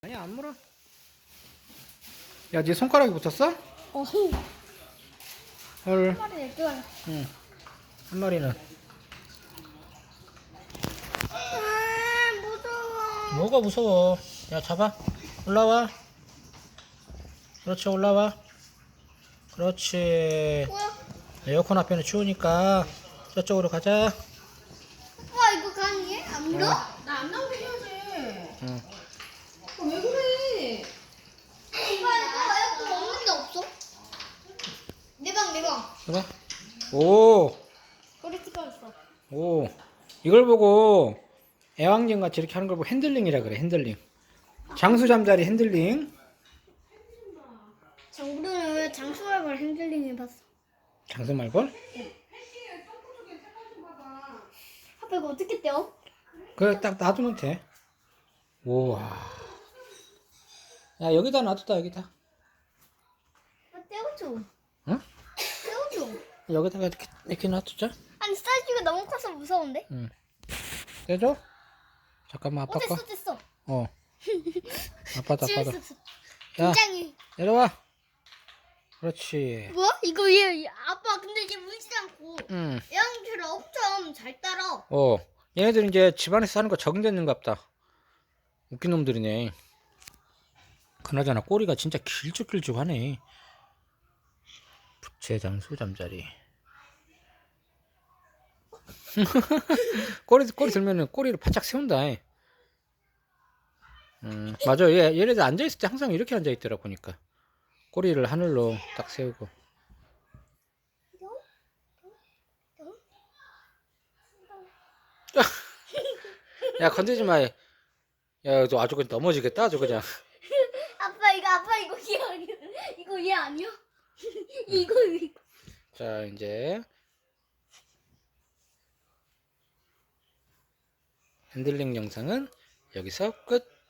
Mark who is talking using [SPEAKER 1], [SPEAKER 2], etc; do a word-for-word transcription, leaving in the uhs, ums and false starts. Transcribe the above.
[SPEAKER 1] 아니 안 물어. 야, 네 손가락이 붙었어?
[SPEAKER 2] 어,
[SPEAKER 1] 헐.
[SPEAKER 2] 한 마리 낼 거야.
[SPEAKER 1] 응. 한 마리는.
[SPEAKER 2] 아, 무서워.
[SPEAKER 1] 뭐가 무서워? 야, 잡아. 올라와. 그렇지, 올라와. 그렇지.
[SPEAKER 2] 뭐야?
[SPEAKER 1] 에어컨 앞에는 추우니까 저쪽으로 가자.
[SPEAKER 2] 와, 이거 가능해? 안 물어?
[SPEAKER 1] 어.
[SPEAKER 3] 나 안 나오게 해야지.
[SPEAKER 1] 응.
[SPEAKER 3] 어, 왜 그래?
[SPEAKER 2] 오빠, 이거 에어컨 없는 데 없어? 내 방, 내 방.
[SPEAKER 1] 그래? 오,
[SPEAKER 2] 우리 집에 있어.
[SPEAKER 1] 오. 이걸 보고 애완견 같이 이렇게 하는 걸 보고 핸들링이라 그래, 핸들링. 장수 잠자리 핸들링.
[SPEAKER 2] 자, 우리는 왜 장수말벌 핸들링 해봤어?
[SPEAKER 1] 장수 말벌?
[SPEAKER 2] 아빠, 이거 어떻게 떼어?
[SPEAKER 1] 그래, 딱 놔두면 돼. 우와. 야, 여기다 놔두다, 여기다.
[SPEAKER 2] 아, 떼어줘.
[SPEAKER 1] 응?
[SPEAKER 2] 떼어줘.
[SPEAKER 1] 여기다가 이렇게, 이렇게 놔두자.
[SPEAKER 2] 아니, 사이즈가 너무 커서 무서운데?
[SPEAKER 1] 응. 떼줘? 잠깐만, 아빠
[SPEAKER 2] 어,
[SPEAKER 1] 거.
[SPEAKER 2] 됐어, 됐어.
[SPEAKER 1] 어. 아빠도, 아빠도.
[SPEAKER 2] 재밌었어.
[SPEAKER 1] 야,
[SPEAKER 2] 굉장히.
[SPEAKER 1] 내려와. 그렇지.
[SPEAKER 2] 뭐? 이거 얘, 아빠, 근데 얘 물지 않고.
[SPEAKER 1] 응.
[SPEAKER 2] 애완견을 엄청 잘 따라.
[SPEAKER 1] 어. 얘네들 이제 집안에서 사는 거 적응됐는갑다. 웃긴 놈들이네. 그나저나 꼬리가 진짜 길쭉길쭉하네. 부채장수 잠자리. 꼬리, 꼬리 들면은 꼬리를 바짝 세운다. 음, 맞아. 얘, 얘네들 앉아있을 때 항상 이렇게 앉아있더라, 보니까. 꼬리를 하늘로 딱 세우고. 야, 건들지 마. 야, 너 아주 그냥 넘어지겠다, 아주 그냥.
[SPEAKER 2] 아빠, 이거, 아빠, 이거 얘 아니야? 이거 얘 아니야? 이거, 이거.
[SPEAKER 1] 자, 이제. 핸들링 영상은 여기서 끝.